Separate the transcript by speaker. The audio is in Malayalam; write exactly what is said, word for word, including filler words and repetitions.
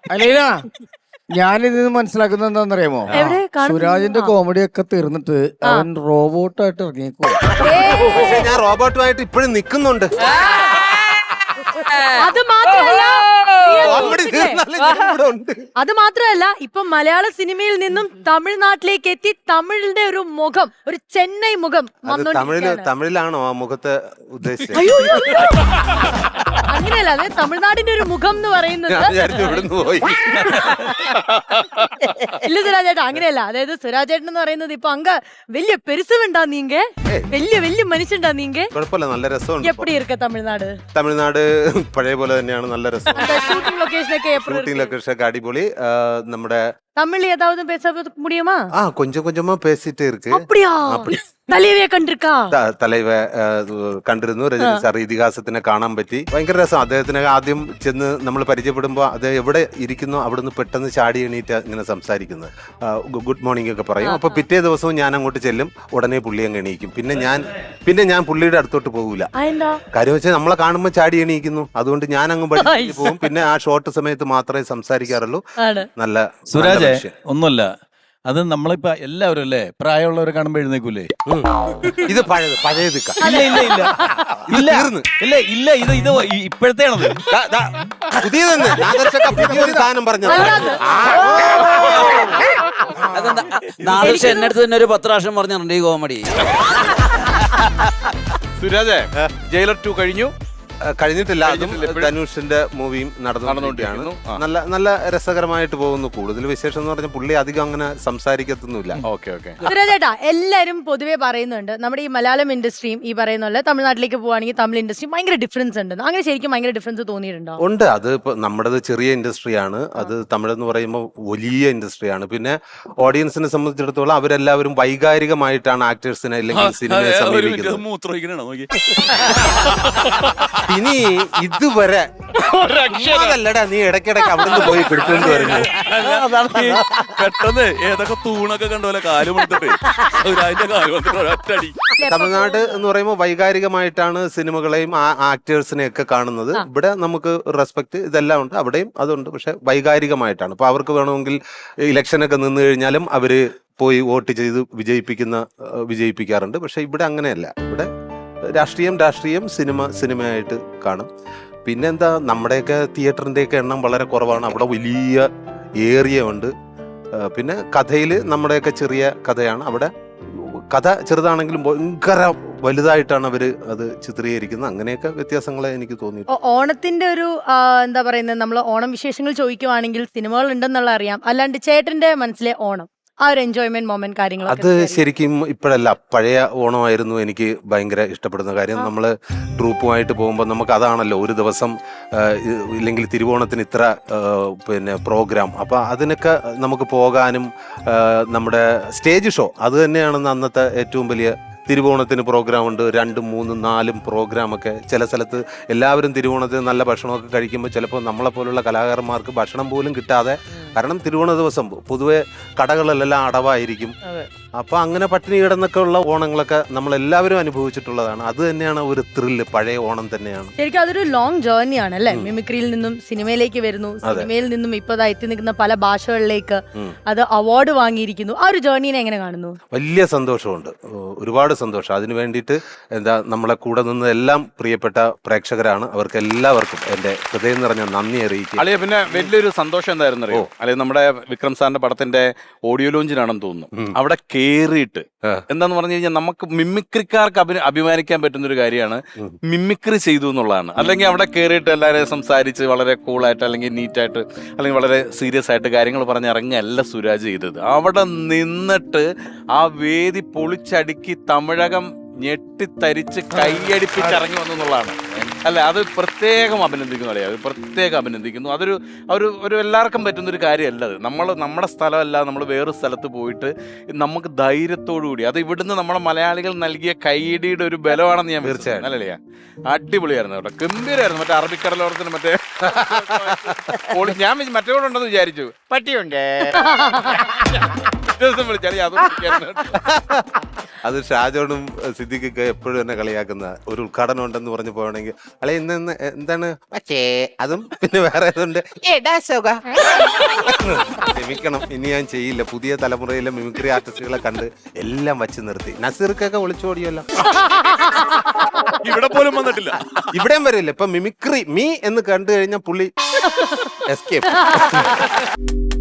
Speaker 1: അലീന ഞാനിത് മനസ്സിലാക്കുന്നത് എന്താണെന്നറിയാമോ? സുരാജിന്റെ കോമഡി ഒക്കെ തീർന്നിട്ട് അവൻ റോബോട്ടായിട്ട് ഇറങ്ങിക്കോ.
Speaker 2: പക്ഷെ ഞാൻ റോബോട്ടുമായിട്ട് ഇപ്പോഴും നിൽക്കുന്നുണ്ട്.
Speaker 3: അത് മാത്രമല്ല
Speaker 2: അത്
Speaker 3: മാത്രമല്ല ഇപ്പൊ മലയാള സിനിമയിൽ നിന്നും തമിഴ്നാട്ടിലേക്ക് എത്തി തമിഴിന്റെ ഒരു മുഖം, ഒരു ചെന്നൈ മുഖം
Speaker 2: തമിഴില് തമിഴിലാണോ ആ മുഖത്തെ ഉദ്ദേശിച്ചത്?
Speaker 3: അങ്ങനെയല്ല, അതെ തമിഴ്നാടിന്റെ ഒരു മുഖം എന്ന് പറയുന്നത്. ഇല്ല സുരാജേട്ടാ, അങ്ങനെയല്ല. അതായത് സുരാജേട്ടൻ എന്ന് പറയുന്നത് ഇപ്പൊ അങ്ക വലിയ പെരുസുണ്ടാ നീങ്ക, വലിയ വലിയ മനുഷ്യണ്ടാ നീങ്ക.
Speaker 2: കുഴപ്പമില്ല, നല്ല രസമുണ്ട്.
Speaker 3: എപ്പടി ഇരിക്ക തമിഴ്നാട്?
Speaker 2: തമിഴ്നാട് പഴയ പോലെ തന്നെയാണ്, നല്ല രസം.
Speaker 3: ഷൂട്ടിംഗ് ലൊക്കേഷൻ ഒക്കെ
Speaker 2: ഷൂട്ടിംഗ് ലൊക്കേഷൻ ഒക്കെ അടിപൊളി. നമ്മുടെ
Speaker 3: தமிழ் ஏதாவது பேச முடியுமா?
Speaker 2: ஆ கொஞ்சம் கொஞ்சமா பேசிட்டே இருக்கு.
Speaker 3: அப்படியா? തലൈവയെ കണ്ടിരിക്കാ?
Speaker 2: തലൈവ കണ്ടിരുന്നു. രജനി സാർ ഇതിഹാസത്തിനെ കാണാൻ പറ്റി. ഭയങ്കര രസം. അദ്ദേഹത്തിനെ ആദ്യം ചെന്ന് നമ്മൾ പരിചയപ്പെടുമ്പോൾ അത് എവിടെ ഇരിക്കുന്നു അവിടുന്ന് പെട്ടെന്ന് ചാടി എണീറ്റ് ഇങ്ങനെ സംസാരിക്കുന്നത്, ഗുഡ് മോർണിംഗ് ഒക്കെ പറയും. അപ്പൊ പിറ്റേ ദിവസവും ഞാൻ അങ്ങോട്ട് ചെല്ലും, ഉടനെ പുള്ളി അങ്ങ് എണീക്കും. പിന്നെ ഞാൻ പിന്നെ ഞാൻ പുള്ളിയുടെ അടുത്തോട്ട് പോകൂല. കാര്യം വെച്ചാൽ നമ്മളെ കാണുമ്പോൾ ചാടി എണീക്കുന്നു, അതുകൊണ്ട് ഞാൻ അങ്ങ് പഠിച്ചു പോകും. പിന്നെ ആ ഷോർട്ട് സമയത്ത് മാത്രമേ സംസാരിക്കാറുള്ളൂ. നല്ല
Speaker 4: സുരാജ് ഒന്നുമല്ല, അത് നമ്മളിപ്പോ എല്ലാവരും അല്ലേ പ്രായമുള്ളവരെ കാണുമ്പോ എഴുന്നേക്കൂലേ?
Speaker 2: ഇത് പഴയത് പഴയത്
Speaker 4: ഇല്ല ഇല്ല ഇല്ല ഇല്ല ഇല്ല ഇല്ല ഇത് ഇത് ഇപ്പോഴത്തെയാണത്.
Speaker 2: പുതിയൊരു സാധനം പറഞ്ഞത്.
Speaker 5: നാദർശ എന്നെ അടുത്ത് തന്നെ ഒരു പത്ത് പ്രാവശ്യം പറഞ്ഞിട്ടുണ്ട് ഈ കോമഡി.
Speaker 6: സുരാജേ, ജയിലർ ടു കഴിഞ്ഞു?
Speaker 2: കഴിഞ്ഞിട്ടില്ല. അതും ധനുഷിന്റെ മൂവിയും നടന്നുകൊണ്ടിരിക്കുകയാണ്. നല്ല നല്ല രസകരമായിട്ട് പോകുന്നു. കൂടുതൽ വിശേഷം എന്ന് പറഞ്ഞാൽ പുള്ളി അധികം അങ്ങനെ സംസാരിക്കത്തൊന്നുമില്ല.
Speaker 3: സുരാജേട്ടാ, എല്ലാരും പൊതുവെ പറയുന്നുണ്ട് നമ്മുടെ ഈ മലയാളം ഇൻഡസ്ട്രിയും ഈ പറയുന്ന പോലെ തമിഴ്നാട്ടിലേക്ക് പോവാണെങ്കിൽ തമിഴ് ഇൻഡസ്ട്രിയും ഭയങ്കര ഡിഫറൻസ് ഉണ്ട്. അങ്ങനെ ശരിക്കും ഭയങ്കര ഡിഫറൻസ് തോന്നിയിട്ടുണ്ടോ?
Speaker 2: ഉണ്ട്. അത് ഇപ്പൊ നമ്മുടേത് ചെറിയ ഇൻഡസ്ട്രിയാണ്, അത് തമിഴ് എന്ന് പറയുമ്പോൾ വലിയ ഇൻഡസ്ട്രിയാണ്. പിന്നെ ഓഡിയൻസിനെ സംബന്ധിച്ചിടത്തോളം അവരെല്ലാവരും വൈകാരികമായിട്ടാണ് ആക്ടേഴ്സിനെ അല്ലെങ്കിൽ സിനിമയെ സമീപിക്കുന്നത്. ഇനി ഇതുവരെ അതല്ലടാ നീ ഇടയ്ക്കിടയ്ക്ക് അവിടുന്ന് പോയി പിടിച്ചോണ്ട് വരുന്നു.
Speaker 4: പെട്ടെന്ന് ഏതൊക്കെ തൂണൊക്കെ കണ്ടോലെ കാലും
Speaker 2: തമിഴ്നാട് എന്ന് പറയുമ്പോൾ വൈകാരികമായിട്ടാണ് സിനിമകളെയും ആക്ടേഴ്സിനെയും ഒക്കെ കാണുന്നത്. ഇവിടെ നമുക്ക് റെസ്പെക്ട് ഇതെല്ലാം ഉണ്ട്, അവിടെയും അതുണ്ട്. പക്ഷെ വൈകാരികമായിട്ടാണ്. ഇപ്പൊ അവർക്ക് വേണമെങ്കിൽ ഇലക്ഷനൊക്കെ നിന്ന് കഴിഞ്ഞാലും അവര് പോയി വോട്ട് ചെയ്ത് വിജയിപ്പിക്കുന്ന വിജയിപ്പിക്കാറുണ്ട്. പക്ഷെ ഇവിടെ അങ്ങനെയല്ല. ഇവിടെ രാഷ്ട്രീയം രാഷ്ട്രീയം, സിനിമ സിനിമയായിട്ട് കാണും. പിന്നെന്താ, നമ്മുടെയൊക്കെ തിയേറ്ററിൻ്റെയൊക്കെ എണ്ണം വളരെ കുറവാണ്. അവിടെ വലിയ ഏരിയ ഉണ്ട്. പിന്നെ കഥയിൽ നമ്മുടെയൊക്കെ ചെറിയ കഥയാണ്. അവിടെ കഥ ചെറുതാണെങ്കിലും ഭയങ്കര വലുതായിട്ടാണ് അവര് അത് ചിത്രീകരിക്കുന്നത്. അങ്ങനെയൊക്കെ വ്യത്യാസങ്ങളെ എനിക്ക് തോന്നി.
Speaker 3: ഓണത്തിന്റെ ഒരു എന്താ പറയുന്നത്, നമ്മൾ ഓണം വിശേഷങ്ങൾ ചോദിക്കുവാണെങ്കിൽ സിനിമകൾ ഉണ്ടെന്നുള്ള അറിയാം. അല്ലാണ്ട് ചേട്ടന്റെ മനസ്സിലെ ഓണം ആ ഒരു എൻജോയ്മെന്റ് മൊമെന്റ് കാര്യങ്ങൾ
Speaker 2: അത് ശരിക്കും ഇപ്പോഴല്ല, പഴയ ഓണമായിരുന്നു എനിക്ക് ഭയങ്കര ഇഷ്ടപ്പെടുന്ന കാര്യം. നമ്മൾ ട്രൂപ്പുമായിട്ട് പോകുമ്പോൾ നമുക്ക് അതാണല്ലോ ഒരു ദിവസം, ഇല്ലെങ്കിൽ തിരുവോണത്തിന് ഇത്ര പിന്നെ പ്രോഗ്രാം. അപ്പം അതിനൊക്കെ നമുക്ക് പോകാനും നമ്മുടെ സ്റ്റേജ് ഷോ അത് തന്നെയാണെന്ന് അന്നത്തെ ഏറ്റവും വലിയ. തിരുവോണത്തിന് പ്രോഗ്രാം ഉണ്ട്, രണ്ടും മൂന്നും നാലും പ്രോഗ്രാമൊക്കെ. ചില സ്ഥലത്ത് എല്ലാവരും തിരുവോണത്തിന് നല്ല ഭക്ഷണമൊക്കെ കഴിക്കുമ്പോൾ ചിലപ്പോൾ നമ്മളെപ്പോലുള്ള കലാകാരന്മാർക്ക് ഭക്ഷണം പോലും കിട്ടാതെ, കാരണം തിരുവോണ ദിവസം പൊതുവെ കടകളെല്ലാം അടവായിരിക്കും. അപ്പൊ അങ്ങനെ പട്ടിണി കിടന്നൊക്കെ ഉള്ള ഓണങ്ങളൊക്കെ നമ്മൾ എല്ലാവരും അനുഭവിച്ചിട്ടുള്ളതാണ്. അത് തന്നെയാണ് ഒരു ത്രില്ല്, പഴയ ഓണം തന്നെയാണ്.
Speaker 3: ശരിക്കും അതൊരു ലോങ് ജേർണി ആണ് അല്ലെ? മിമിക്രിയിൽ നിന്നും സിനിമയിലേക്ക് വരുന്നു, സിനിമയിൽ നിന്നും ഇപ്പൊ എത്തി നിൽക്കുന്ന പല ഭാഷകളിലേക്ക് അത് അവാർഡ് വാങ്ങിയിരിക്കുന്നു. ആ ഒരു ജേർണിനെ എങ്ങനെ കാണുന്നു?
Speaker 2: വലിയ സന്തോഷമുണ്ട്, ഒരുപാട് സന്തോഷം. അതിനു വേണ്ടിയിട്ട് എന്താ നമ്മളെ കൂടെ നിന്ന് എല്ലാം പ്രിയപ്പെട്ട പ്രേക്ഷകരാണ്. അവർക്ക് എല്ലാവർക്കും എന്റെ ഹൃദയം നിറഞ്ഞ നന്ദി അറിയിക്കും.
Speaker 6: അല്ലെ പിന്നെ വലിയൊരു സന്തോഷം എന്തായിരുന്നു അറിയോ? അല്ലെ നമ്മുടെ വിക്രം സാറിന്റെ പടത്തിന്റെ ഓഡിയോ ലോഞ്ചിനാണെന്ന് തോന്നുന്നു. അവിടെ കേറിയിട്ട് എന്താന്ന് പറഞ്ഞു കഴിഞ്ഞാൽ നമുക്ക് മിമിക്രിക്കാർക്ക് അഭി അഭിമാനിക്കാൻ പറ്റുന്ന ഒരു കാര്യമാണ് മിമിക്രി ചെയ്തു എന്നുള്ളതാണ്. അല്ലെങ്കിൽ അവിടെ കയറിയിട്ട് എല്ലാവരെയും സംസാരിച്ച് വളരെ കൂളായിട്ട് അല്ലെങ്കിൽ നീറ്റായിട്ട് അല്ലെങ്കിൽ വളരെ സീരിയസ് ആയിട്ട് കാര്യങ്ങൾ പറഞ്ഞ് ഇറങ്ങിയല്ല സുരാജ് ചെയ്തത്. അവിടെ നിന്നിട്ട് ആ വേദി പൊളിച്ചടുക്കി തമിഴകം ഞെട്ടിത്തരിച്ച് കൈയടിപ്പിച്ചിറങ്ങി വന്നു എന്നുള്ളതാണ്. അല്ല, അത് പ്രത്യേകം അഭിനന്ദിക്കുന്നു. അല്ലേ, അത് പ്രത്യേകം അഭിനന്ദിക്കുന്നു. അതൊരു ഒരു ഒരു എല്ലാവർക്കും പറ്റുന്നൊരു കാര്യമല്ല. അത് നമ്മൾ നമ്മുടെ സ്ഥലമല്ല, നമ്മൾ വേറൊരു സ്ഥലത്ത് പോയിട്ട് നമുക്ക് ധൈര്യത്തോടു കൂടി, അത് ഇവിടുന്ന് നമ്മുടെ മലയാളികൾ നൽകിയ കൈയിടിയുടെ ഒരു ബലമാണെന്ന് ഞാൻ തീർച്ചയായും. അല്ലേ, അടിപൊളിയായിരുന്നു കേട്ടോ, ഗംഭീരമായിരുന്നു. മറ്റേ അറബിക്കടലോരത്തിന് മറ്റേ ഞാൻ മറ്റേ കൂടെ ഉണ്ടെന്ന് വിചാരിച്ചു, പട്ടിയുണ്ടേ ദിവസം വിളിച്ചാൽ
Speaker 2: അത് ഷാജോണും സിദ്ദിഖൊക്കെ എപ്പോഴും എന്നെ കളിയാക്കുന്ന ഒരു ഉദ്ഘാടനം ഉണ്ടെന്ന് പറഞ്ഞു പോകണമെങ്കിൽ അല്ലെ ഇന്ന് ഇന്ന് എന്താണ് പക്ഷേ അതും പിന്നെ വേറെ ഏതുണ്ട് ക്ഷമിക്കണം, ഇനി ഞാൻ ചെയ്യില്ല. പുതിയ തലമുറയിലെ മിമിക്രി ആർട്ടിസ്റ്റുകളെ കണ്ട് എല്ലാം വച്ച് നിർത്തി. നസീർക്കൊക്കെ ഒളിച്ചോടിയല്ലോ,
Speaker 6: ഇവിടെ പോലും വന്നിട്ടില്ല.
Speaker 2: ഇവിടെയും വരില്ല. ഇപ്പൊ മിമിക്രി മീ എന്ന് കണ്ടു കഴിഞ്ഞാൽ പുള്ളി എസ്കേപ്പ്.